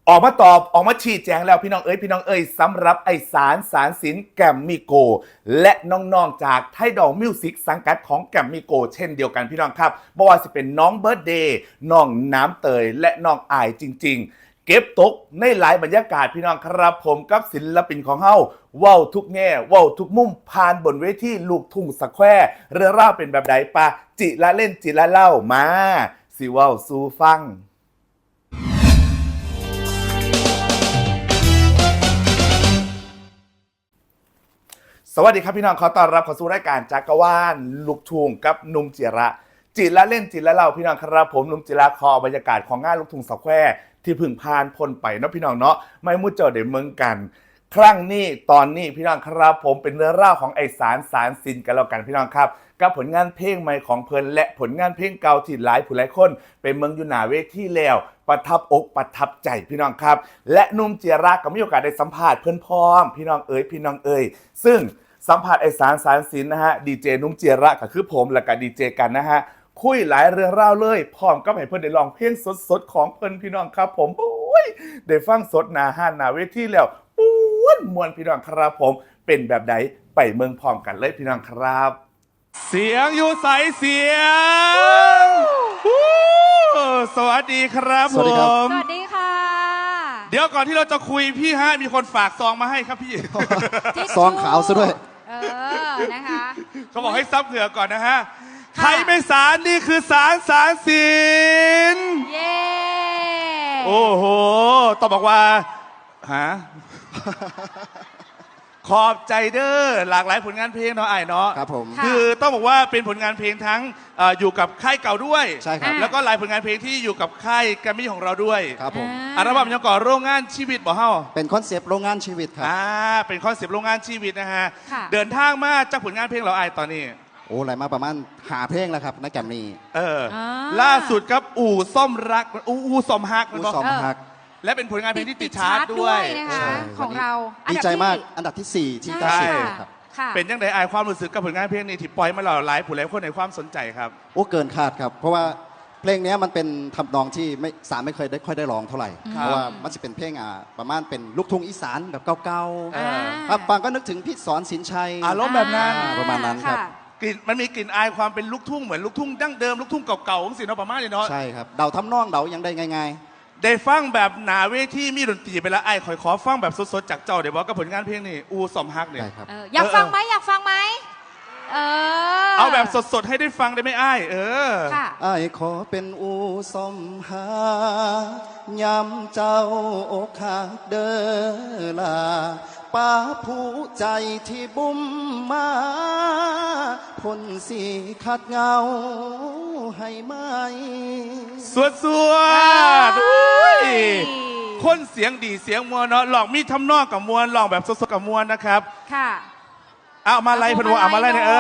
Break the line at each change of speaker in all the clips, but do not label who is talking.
ออกมาตอบออกมาชี้แจงแล้วพี่น้องเอ้ยสำหรับไอสารสินแกรมมี่โกและน้องๆจากไทดอลมิวสิกสังกัดของแกรมมี่โกเช่นเดียวกันพี่น้องครับบ่ว่าจะเป็นน้องเบิร์ดเดย์น้องน้ำเตยและน้องอายจริงๆเก็บตกในหลายบรรยากาศพี่น้องครับผมกับศิลปินของเฮาเว้าทุกแง่เว้าทุกมุมผ่านบนเวทีลูกทุ่งสแควร์เรื่องราวเป็นแบบใดปะจิละเล่นจิละเล่ามาสิเว้าสู่ฟังสวัสดีครับพี่น้องขอต้อนรับเข้าสู่รายการจักรวาลลูกทุ่งกับนุ่มจิระจิละเล่นจิละเล่าพี่น้องครับผมนุ่มจิระขอบรรยากาศของงานลูกทุ่งสแควร์ที่พึ่งพานพ้นไปเนาะพี่น้องเนาะไม่มุ่งเจอเดี๋ยวเมืองกันครั้งนี้ตอนนี้พี่น้องครับผมเป็นเรื่องราวของไอสารสินกันแล้วกันพี่น้องครับกับผลงานเพลงใหม่ของเพลินและผลงานเพลงเก่าที่หลายผู้หลายคนเป็นเมืองอยู่หน้าเวทีแล้วประทับอกประทับใจพี่น้องครับและนุ่มจิระก็มีโอกาสได้สัมภาษณ์เพื่อนพ้องพี่น้องเอ๋ยซึ่งสัมผัสไอสารสินนะฮะดีเจนุ่มเจียระก็คือผมและก็ดีเจกันนะฮะคุยหลายเรื่องราวเลยพร้อมกับให้เพื่อนได้ลองเพลงสดของเพื่อนพี่น้องครับผมโอ้ยได้ฟังสดหนาห้านหนาเวทีแล้วมวนพี่น้องครับผมเป็นแบบใดไปเมืองพร้อมกันเลยพี่น้องครับ
เสียงอยู่ใสเสียงสวัสดีครับผม
สวัสดีค่ะ
เดี๋ยวก่อนที่เราจะคุยพี่ฮะมีคนฝากซองมาให้ครับพี่
ซองขาวซะด้วย
นะคะ
เขาบอกให้ซับเหงื่อก่อนนะฮะใครไม่สารนี่คือสารสิน
เย้
โอ้โหต้องบอกว่าฮะขอบใจเด้อหลากหลายผลงานเพลงเนาะไอ้เนาะ
ครับผม
คือต้องบอกว่าเป็นผลงานเพลงทั้งอยู่กับค่ายเก่าด้วย
ใช่ครับ
แล้วก็หลายผลงานเพลงที่อยู่กับค่ายแกรมมี่ของเราด้วย
ครับผม
อัลบั้มยังก่อโรงงานชีวิตบ่เฮา
เป็นคอนเซปต์โรงงานชีวิตครับ
เป็นคอนเซปต์โรงงานชีวิตนะฮะเดินทางมาจากผลงานเพลงเราไอ้ตอนนี้
โอ้อะไรมาประมาณหาเพลงแล้วครับนักแกรมมี่
ล่าสุดครับอู่ซ่อมรักอู่ซ่อมฮัก
อู่ซ่อมฮัก
และเป็นผลงานเพลงที่ติดชาร์ตด้วย
นะคะของเรา
ดีใจมากอันดับที่4ที่90ครับ
เป็นยังไงไอความรู้สึกกับผลงานเพลงนี้ที่ปล่อยมาหลายผู้หลายคนในความสนใจครับ
โอ้เกินคาดครับเพราะว่าเพลงนี้มันเป็นทำนองที่ไม่เคยได้ค่อยได้ร้องเท่าไหร่เพราะว่ามันจะเป็นเพลงประมาณเป็นลูกทุ่งอีสานแบบเก่าๆครับบางก็นึกถึงพี่สอนสินชัย
อารมณ์แบบนั้น
ประมาณนั้นครับ
กลิ่นมันมีกลิ่นอายความเป็นลูกทุ่งเหมือนลูกทุ่งดั้งเดิมลูกทุ่งเก่าๆของศิลป์ประมาณนี้เนาะ
ใช่ครับเดาทำนองเดายังได้ง่าย
ได้ฟังแบบหนาเวทีมีดนตรีไปแล้วไอ้ขอฟังแบบสดๆจากเจ้าเดี๋ยวบอกกับผลงานเพลงนี่อูซ่อมฮักเนี่ย
อยากฟังไหม
เอาแบบสดๆให้ได้ฟังได้ไหมไอ้
ไอ้ขอเป็นอูซ่อมฮักย้ำเจ้าอกหักเด้อล่ะป้าผู้ใจที่บุ้มมาพ้นสีขัดเงาให้ไหม
สวดคนเสียงดีเสียงมวลเนาะลองมีทำนองกับมวลลองแบบสดๆกับมวลนะครับ
ค่ะ
เอามาไล่พนวเอามาไล่เนี่ย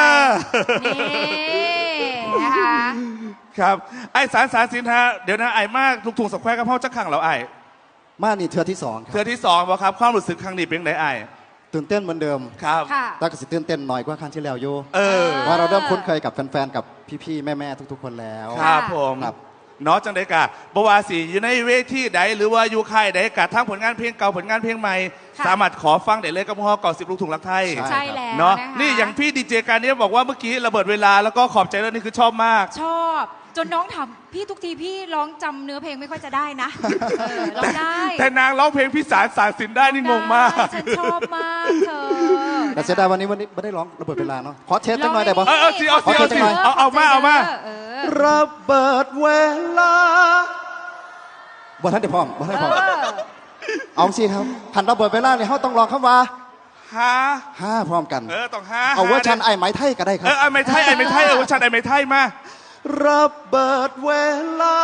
นี่นะคะ
ครับไอ้สารสินฮะเดี๋ยวนะไอ้มากลูกทุ่งสแควร์กับพ่อจักขังเราไอ้
มานี่เทือที่2ครับ
เทือที่2บ่ครับความรู้สึกครั้งนี้เป็นไงไอ้
ตื่นเต้นเหมือนเดิม
ครับ
แต่ก็สิตื่นเต้นหน่อยกว่าครั้งที่แล้วโยว่าเราเริ่มคุ้นเคยกับแฟนๆกับพี่ๆแม่ๆทุกๆคนแล้ว
ครับผมเนาะจังไดกะบวาสีอยู่ในเวทีใดหรือว่าอยู่ค่ายใดกะทั้งผลงานเพลงเก่าผลงานเพลงใหม่สามารถขอฟังได้เลยกับพ่อเก่า10ลูกทุ่งรักไทย
ใช่แล้ว
เนาะนี่อย่างพี่ดีเจการนี้บอกว่าเมื่อกี้ระเบิดเวลาแล้วก็ขอบใจแล้วนี่คือชอบมาก
ชอบจนน้องถามพี่ทุกทีพี่ร้องจำเนื้อเพลงไม่ค่อยจะได้นะร้องได้
แต่นางร้องเพลงพิสารสารสินได้นี่งงมาก
ฉันชอบมากเธอ
แต่เสียดายวันนี้ไม่ได้ร้องระเบิดเวลาเนาะขอเทสจังหน่อยได้ปะ
เอามา
ระเบิดเวลาบ่ท่านเดี๋ยวพร้อมเอาสิครับพันระเบิดเวลาเนี่ยเขาต้องลองคำว่าห้าพร้อมกัน
ต้อง
เอาว่าชันไอ้ไม้ไทยก็ได้ครับ
ไอ้ไม้ไทยว่าชันไอ้ไม้ไทยมา
ระเบิดเวลา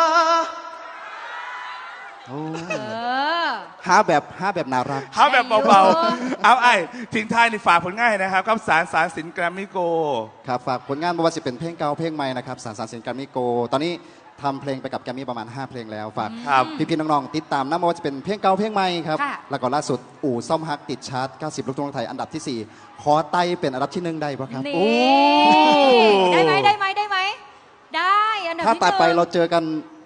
หาแบบน่ารัก
หาแบบเบาๆเอาไอ้ทิ้งท้ายในฝากผลงานนะครับกับสารสินแกรมมี่โก
ครับฝากผลงานไม่ว่าจะเป็นเพลงเก่าเพลงใหม่นะครับสารสินแกรมมี่โกตอนนี้ทำเพลงไปกับแกรมมี่ประมาณ5เพลงแล้วฝากพี่ๆน้องๆติดตามนะไม่ว่าจะเป็นเพลงเก่าเพลงใหม่ครับแล้วก็ล่าสุดอู่ซ่อมฮักติดชาร์ต90ลูกทุ่งไทยอันดับที่4ขอไต่เป็นอันดับที่1ได้ปะครับ
โอ้ได้ไหมได้อันดับที่1
ถ้าต่อไปเราเจอกันเ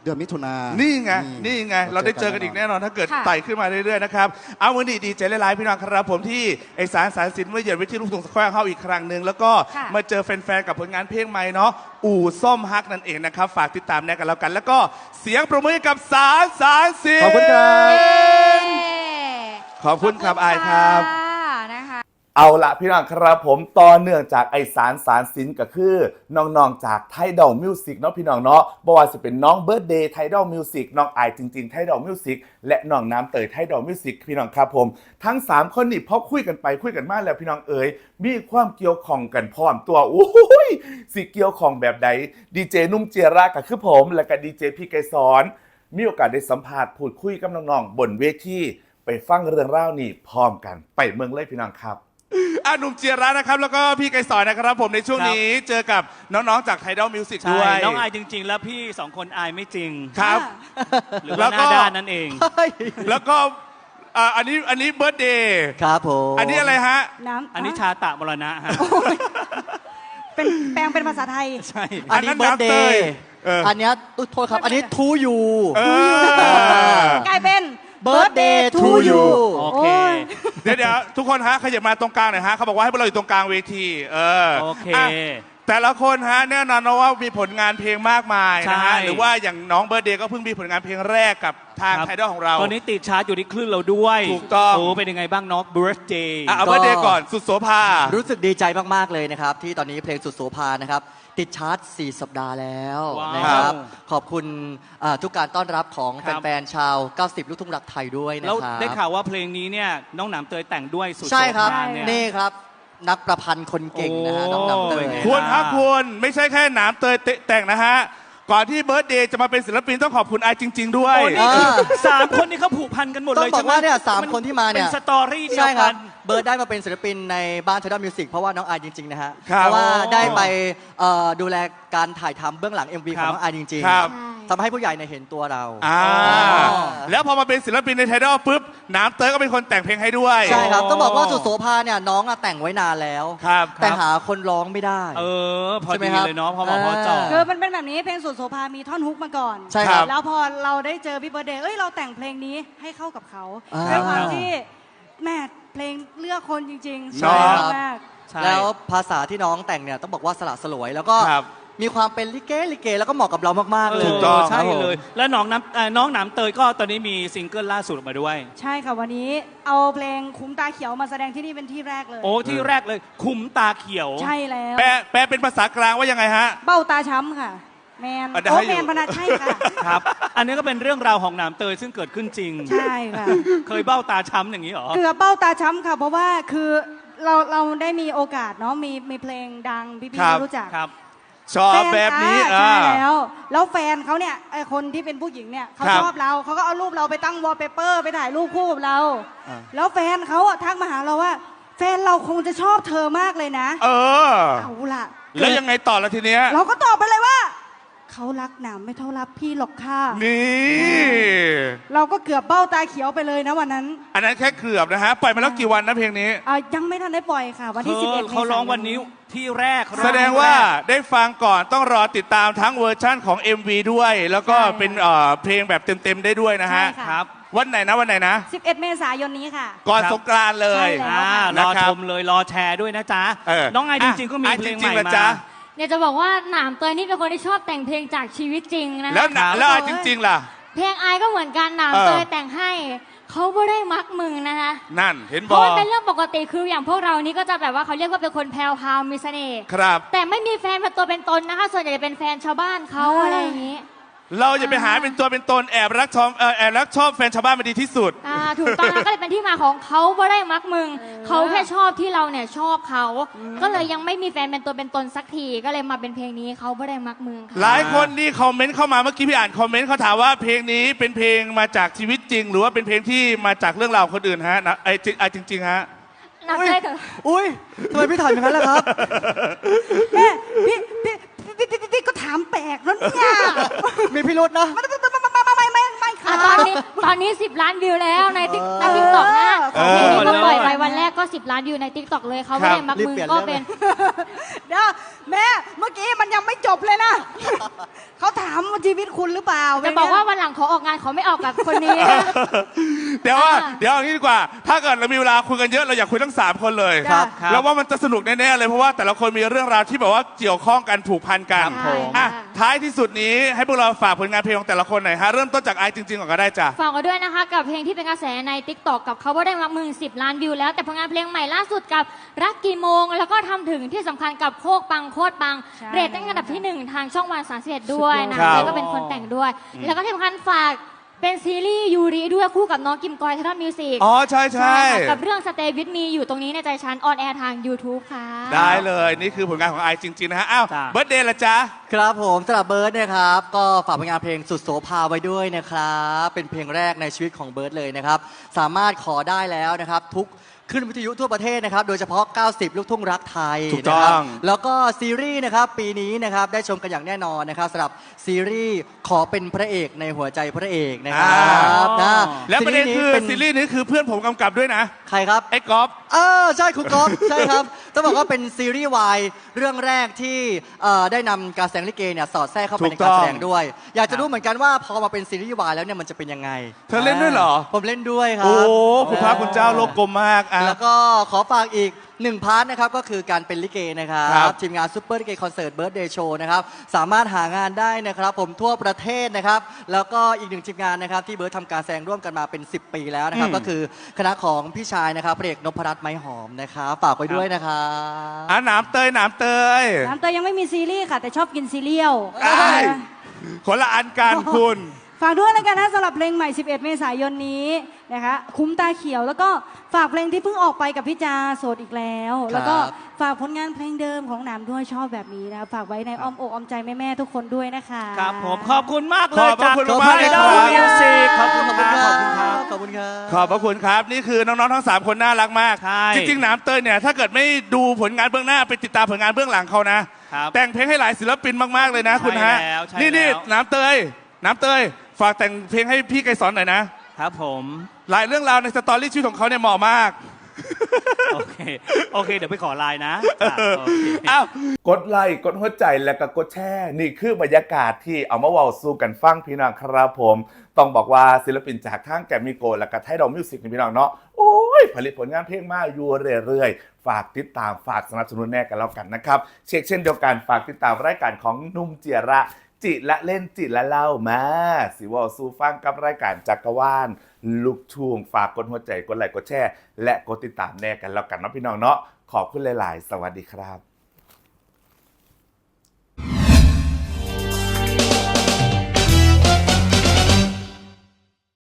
เดือนมิถุนายน
นี่ไง
นี่
นี่ไง เราได้เจอกันอีกแน่นอนถ้าเกิด
ค่ะ
ไต่ขึ้นมาเรื่อยๆนะครับ เอาวันนี้ดีใจหลายๆพี่น้องครับผมที่ไอสารสินเมื่อเยือนวิทยุลูกทุ่งสแควร์เข้าอีกครั้งหนึ่งแล้วก็
ค่ะ
มาเจอแฟนๆกับผลงานเพลงใหม่เนาะอู่ส้มฮักนั่นเองนะครับฝากติดตามแน่กันแล้วกัน แล้วก็เสียงปรบมือให้กับสารสิน
ขอบคุณครับ
ขอบคุณครับอายครับ
นะคะ
เอาละพี่น้องครับผมต่อเนื่องจากไอสารสินก็คือน้องๆจากไทดอลมิวสิกเนาะพี่น้องเนาะบ่ว่าจะเป็นน้องเบิร์ดเดย์ไทดอลมิวสิกน้องไอจริงๆไทดอลมิวสิกและน้องน้ำเตยไทดอลมิวสิกพี่น้องครับผมทั้ง3คนนี่พอคุยกันไปคุยกันมาแล้วพี่น้องเอ๋ยมีความเกี่ยวข้องกันพร้อมตัวโอ้ยสิเกี่ยวข้องแบบใดดีเจนุ่มเจยระก็คือผมและก็ดีเจพี่ไกรสอนมีโอกาสได้สัมภาษณ์พูดคุยกับน้องๆบนเวทีไปฟังเรื่องราวนี้พร้อมกันไปเมืองเลยพี่น้องครับ
หนุ่มเจียระนะครับแล้วก็พี่ไกรสอนนะครับผมในช่วงนี้เจอกับน้องๆจากไทดอลมิวสิก
ใช่
ด้วย
น้องอายจริง ๆ แล้วพี่สองคนอายไม่จริง
ครับ
หรือ
แล้
ว่าว ห
ก็
น้าด้านนั่นเอง
แล้วก็อันนี้เบิร์ดเดย์
ครับผม
อันนี้อะไรฮะ
น้ำ
อันนี้ชาตะมรณะฮะ
เป็นแปลงเป็นภาษาไทย
ใช่
อันนี้เบิร์ดเดย์
เออ
อันเนี้ยโทษครับ อันนี้ทูยู
เออก
ลายเป็น
Birthday to you
โอ
โอ้
เค
ย
เดี๋ยวทุกคนฮะขยับมาตรงกลางหน่อยฮะเขาบอกว่าให้พวกเราอยู่ตรงกลางเวที
โอเค
ะแต่ละคนฮะแน่นอนนะว่ามีผลงานเพลงมากมายนะฮะ
ใช่
หรือว่าอย่างน้องเบิร์ดเดย์ก็เพิ่งมีผลงานเพลงแรกกับทาง
ครับ
ไทดอลของเรา
ตอนนี้ติดชาร์จอยู่ที่คลื่นเราด้วย
ถูกต้อง
โอ้เป็นยังไงบ้างน้อง birthday
เอาเบิร์ดเดย์ก่อนสุดโสภา
รู้สึกดีใจมาก ๆ เลยนะครับ ที่ตอนนี้เพลงสุดโสภานะครับ ติดชาร์ต4 สัปดาห์แล้ว
ว้าว
นะครับ ขอบคุณทุกการต้อนรับของ
ครับ
แฟน ๆ ชาว 90 ลูกทุ่งรักไทยด้วยนะ
แล้ว
ครับ
ได้ข่าวว่าเพลงนี้เนี่ยน้องหนามเตยแต่งด้วยสุด
ใช่ครับ
โสภาเนี่ย
นี่ครับ นักประพันธ์คนเก่งนะฮะ
โอ้
น้องนำเตย
เป็นไง
คุณครับคุณไม่ใช่แค่หนามเตยแต่งนะฮะ ก่อนที่เบิร์ดเดย์จะมาเป็นศิลปินต้องขอบคุณไอจริง ๆ ด้วย
โอ้นี่คือสามคนนี้เขาผูกพันกันหมด
ต้อ
เล
ง
ย
บอก
ใช่ไหม
ว่าเนี่ยสามคนที่มาเนี่ย
เป็นสตอรี่เดีย
ใช่
ว
ครั
กับ น
เบิร์ดได้มาเป็นศิลปินในบ้านเทอร์มิวสิกเพราะว่าน้องอายจริง ๆ นะฮะ
ครับ
เพราะว่าได้ไปดูแลการถ่ายทำเบื้องหลัง MV ของน้องอายจริง
ครับ
ๆทำให้ผู้ใหญ่เนี่ยเห็นตัวเรา
แล้วพอมาเป็นศิลปินในไทดอลปุ๊บหนามเตยก็เป็นคนแต่งเพลงให้ด้วย
ใช่ครับ ต้องบอกว่าสุดโสภาเนี่ยน้องอะแต่งไว้นานแล้ว
ครับ
แต่หาคนร้องไม่ได้
พอ
ใช่ไหม
ดี
ครับ
เลยเนาะพอเหมาะพอเจาะ
คือมันเป็นแบบนี้เพลงสุดโสภามีท่อนฮุกมาก่อน
ใช่ครับ
แล้วพอเราได้เจอพี่เบิร์ดเดย์เอ้ยเราแต่งเพลงนี้ให้เข้ากับเขา
อ่า
ด้วยความที่แม่เพลงเลือกคนจริงๆ
ใช่ครับ
มาก
ใช่
แล้วภาษาที่น้องแต่งเนี่ยต้องบอกว่าสละสลวย แล้วก็
ครับ
มีความเป็นลิเกแล้วก็เหมาะกับเรามากๆเลย
ถูกต้อง
ใช่
ครับผม
เลย แล้วน้องหนามเตยก็ตอนนี้มีซิงเกิลล่าสุดออกมาด้วย
ใช่ค่ะวันนี้เอาเพลงคุ้มตาเขียวมาแสดงที่นี่เป็นที่แรกเลย
โอ้ที่แรกเลยคุ้มตาเขียว
ใช่แล้ว
แปลเป็นภาษากลางว่ายังไงฮะ
เบ้าตาช้ำค่ะ แมน
ได้
โอ้
อยู่
แมนพนัทใช่ค่ะ
ครับ อันนี้ก็เป็นเรื่องราวของหนามเตยซึ่งเกิดขึ้นจริง
ใช่ค่ะ
เคยเบ้าตาช้ำอย่างนี้เหรอ
เกือบเบ้าตาช้ำค่ะ เพราะว่าคือเราได้มีโอกาสเนาะมีเพลงดังพี่
ครับ
ๆรู้จัก
ครับ
ชอบแบบนี้
ใช่แล้วแฟนเขาเนี่ยไอคนที่เป็นผู้หญิงเนี่ยเขา
ครับ
ชอบเราเขาก็เอารูปเราไปตั้งวอลเปเปอร์ไปถ่ายรูปคู่กับเรา
อ่า
แล้วแฟนเขาอะทักมาหาเราว่า แฟนเราคงจะชอบเธอมากเลยนะ
เออ
เอาล่ะ
แล้วยังไงต่อละทีเนี้ย
เราก็ตอบไปเลยว่าเขารักหนามไม่เท่ารักพี่หรอกค่ะ
นี่
เราก็เกือบเบ้าตาเขียวไปเลยนะวันนั้น
อันนั้นแค่เกือบนะฮะ ปล่อยมาแล้วกี่วันนะเพลงนี้
ยังไม่ทันได้ปล่อยค่ะ วันที่ 11 เมษายน
เขาร้องวันนี้ที่แรก
แสดงว่าได้ฟังก่อนต้องรอติดตามทั้งเวอร์ชั่นของ MV ด้วย แล้วก็เป็นเพลงแบบเต็มๆได้ด้วยนะฮะ
ใช่ค่ะ
ครับ
วันไหนนะวันไหนนะ
11 เมษายนนี้ค่ะ
ก่อนสงกรานต์เลย
ใช่แล้ว
รอ
นะครั
ช
บ
มเลยรอแชร์ด้วยนะจ๊ะ
เออ
น้องไอจริงๆก็มี
อ่ะ
เพลง
จริ
ให
ง
ม่
ๆเหรอ
มา
จ๊ะ
เนี่ยจะบอกว่าหนามเตยนี่เป็นคนที่ชอบแต่งเพลงจากชีวิตจริงนะ
แล้ว
คะ
แล้วจริง ๆ ล่ะ
เพลงอายก็เหมือนกันหนาม
เออ
เตยแต่งให้เขาไม่ได้มักมึงนะคะ
นั่นเห็น
เพ
บ
ราะ
อ
มันเป็นเรื่องปกติคืออย่างพวกเรานี่ก็จะแบบว่าเขาเรียกว่าเป็นคนแพรวพราวมีเสน่ห์
ครับ
แต่ไม่มีแฟนเป็นตัวเป็นตนนะคะ ส่วนใหญ่จะเป็นแฟนชาวบ้านเขาอะไรอย่างนี้
เราอย่าไปหาเป็นตัวเป็นตนแอบรักชอบแฟนชาวบ้านมาดีที่สุด
ถูกต้องนะก็เลยเป็นที่มาของเขาไม่ได้มักมึงเขาแค่ชอบที่เราเนี่ยชอบเขาก็เลยยังไม่มีแฟนเป็นตัวเป็นตนสักทีก็เลยมาเป็นเพลงนี้เขาไม่ได้มักมึงค่ะ
หลายคนนี่คอมเมนต์เข้ามาเมื่อกี้พี่อ่านคอมเมนต์เขาถามว่าเพลงนี้เป็นเพลงมาจากชีวิตจริง หรือว่าเป็นเพลงที่มาจากเรื่องราวคนอื่นฮะนะจริงๆฮะ
หนามเตยเถอะ
อุ้ยทำไมพี่ถามอย่างนั้นล่ะครับ
แม่พี่ก็ถามแปลกแล้วเนี่ย
มีพิรุษนะ
ไม่ค่ะ
ตอนนี้ 10 ล้านวิวแล้วในติ๊กต็อกนะเพลงนี้ก็ปล่อยไปวันแรกก็ 10 ล้านวิวในติ๊กต็อกเลยเขาไม่ได้มักมึงก็เป็น
เดี๋ยวแม่เมื่อกี้มันยังไม่จบเลยนะ เขาถามว่าชีวิตคุณหรือเปล่า
จะบอกว่าวันหลังขอออกงานขอไม่ออกกับคนนี้นะ
เดี๋ยวเอางี้ดีกว่า ถ้าเกิดเรามีเวลาคุยกันเยอะเราอยากคุยทั้ง3คนเลย
ครับ
แล้วว่ามันจะสนุกแน่ๆเลยเพราะว่าแต่ละคนมีเรื่องราวที่แบบว่าเกี่ยวข้องกันผูกพันกัน
ครับผม
อ่ะท้ายที่สุดนี้ให้พวกเราฝากผลงานเพลงของแต่ละคนหน่อยฮะเริ่มต้นจากไอจริงๆก่อนก็ได้จ้ะ
ฝากกันด้วยนะคะกับเพลงที่เป็นกระแสใน TikTok กับเขาว่าได้มักมึง10 ล้านวิวแล้วแต่ผลงานเพลงใหม่ล่าสุดกับรักกี่โมง แล้วก็ทำถึงที่สำคัญกับโคกปังโคตรปัง
ใช่
เรตติ้งอันดับที่ 1 ทางช่องวัน31ด้วยนะครับ แล้วก็เป็นคนแต่งด้วย แล้วก็ที่สำคัญฝากเป็นซีรีส์ยูริด้วยคู่กับน้องกิมกอยเทเลมิวสิก
อ๋อใช่ใช่
ค่ะกับเรื่อง Stay with me อยู่ตรงนี้ในใจฉันออนแอร์ทาง YouTube ค่ะ
ได้เลยนี่คือผลงานของไอจริงๆนะฮะอ้าว
จ้ะ
เบิร์ดเดย์ละจ๊ะ
ครับผมสำหรับเบิร์ดนะครับ ก็ฝากผลงานเพลงสุดโสภาไว้ด้วยนะครับ เป็นเพลงแรกในชีวิตของเบิร์ดเลยนะครับ สามารถขอได้แล้วนะครับ ทุกขึ้นวิทยุทั่วประเทศนะครับ โดยเฉพาะ 90 ลูกทุ่งรักไทย
ถูกต้อง
นะครับแล้วก็ซีรีส์นะครับปีนี้นะครับได้ชมกันอย่างแน่นอนนะครับสำหรับซีรีส์ขอเป็นพระเอกในหัวใจพระเอกนะครับนะ
และประเด็นคือ
เป็น
ซีรีส์นี้คือเพื่อนผมกำกับด้วยนะ
ใครครับ
ไอ้ก๊อฟ
ใช่คุณก๊อฟ ใช่ครับต้องบอกว่าเป็นซีรีส์วายเรื่องแรกที่ได้นำการแสดงลิเกเนี่ยสอดแทรกเข้าไป
ถู
ใน
กต้
กา
อง
รแสดงด้วย อยากจะรู้เหมือนกันว่าพอมาเป็นซีรีส์วายแล้วเนี่ยมันจะเป็นยังไง
เธอเล่นด้วยเหรอ
ผมเล่นด้วยครั
โอ้
บ
คุณพระคุณเจ้าโลกกลมมากอ่ะ
แล้วก็ขอฝากอีก1 พาร์ทนะครับก็คือการเป็นลิเกนะครั
ครับ
ทีมงานซูเปอร์ลิเกคอนเสิร์ตเบิร์ดเดย์โชว์นะครับสามารถหางานได้นะครับผมทั่วประเทศนะครับแล้วก็อีก1ทีมงานนะครับที่เบิร์ดทำการแสดงร่วมกันมาเป็น 10 ปีแล้วนะครับก็คือคณะของพี่ชายนะครับพระเอกนพรัตน์ไม้หอมนะครับฝากไว้ด้วยนะครับ
อ่ะหนามเตย
น้ำเตยยังไม่มีซีรีส์ค่ะ แต่ชอบกินซีเรียล
คนละอันกันคุณ
ฝากด้วยแล้วกันนะสำหรับเพลงใหม่ 11 เมษายนนี้นะคะคุ้มตาเขียวแล้วก็ฝากเพลงที่เพิ่งออกไปกับพี่จาโสดอีกแล้ว แล้วก็ฝากผลงานเพลงเดิมของหนามด้วยชอบแบบนี้นะฝากไว้ในอ้อมอกอ้อมใจแม่ๆทุกคนด้วยนะคะ
ครับผมขอบคุณมากเล
ข
ย
อบพระคุณ
จาก
มากเลยครับ
Idol Music ขอบคุณ
ขอบ
ค
คุณ
รับ
ค
ข
รั
อบคุณครับ
ขอบคุณครับ
ขอบพระคุณครับ นี่คือน้องๆทั้ง 3 คนน่ารักมาก
ใช่
จริงๆหนามเตยเนี่ยถ้าเกิดไม่ดูผลงานเบื้องหน้าไปติดตามผลงานเบื้องหลังเขานะ
ครับ
แต่งเพลงให้หลายศิลปินมากๆเลยนะคุณฮะ
ใช่แล้วใช่
นี่
แล้ว
หนามเตยฝากแต่งเพลงให้พี่ไกรสอนหน่อยนะ
ครับผม
หลายเรื่องราวในสตอรี่ชีวิตของเขาเนี่ยเหมาะมาก
โอเคเดี๋ยวไปขอไลน์นะจ้ะโอเค
อ้าวกดไลค์กดหัวใจแล้วก็กดแชร์นี่คือบรรยากาศที่เอามาเว้าสู่กันฟังพี่น้องครับผม ต้องบอกว่าศิลปินจากทางแกรมมี่โกลและก็ไทยดอมมิวสิกนี่พี่น้องเนาะโอ้ยผลิตผลงานเพลงมาอยู่เรื่อยๆ ฝากติดตามฝากสนับสนุนแน่กันแล้วกันนะครับเช็คเช่นเดียวกันฝากติดตามรายการของนุ่มเจียระ จิละเล่นจิละเล่ามาสิวอสู่ฟังกับรายการจักรวาลลูกทุ่งฝากกดหัวใจกดไลค์กดแชร์และกดติดตามแน่กันแล้วกันเนาะพี่น้องเนาะขอบคุณหลายๆ สวัสดีครับ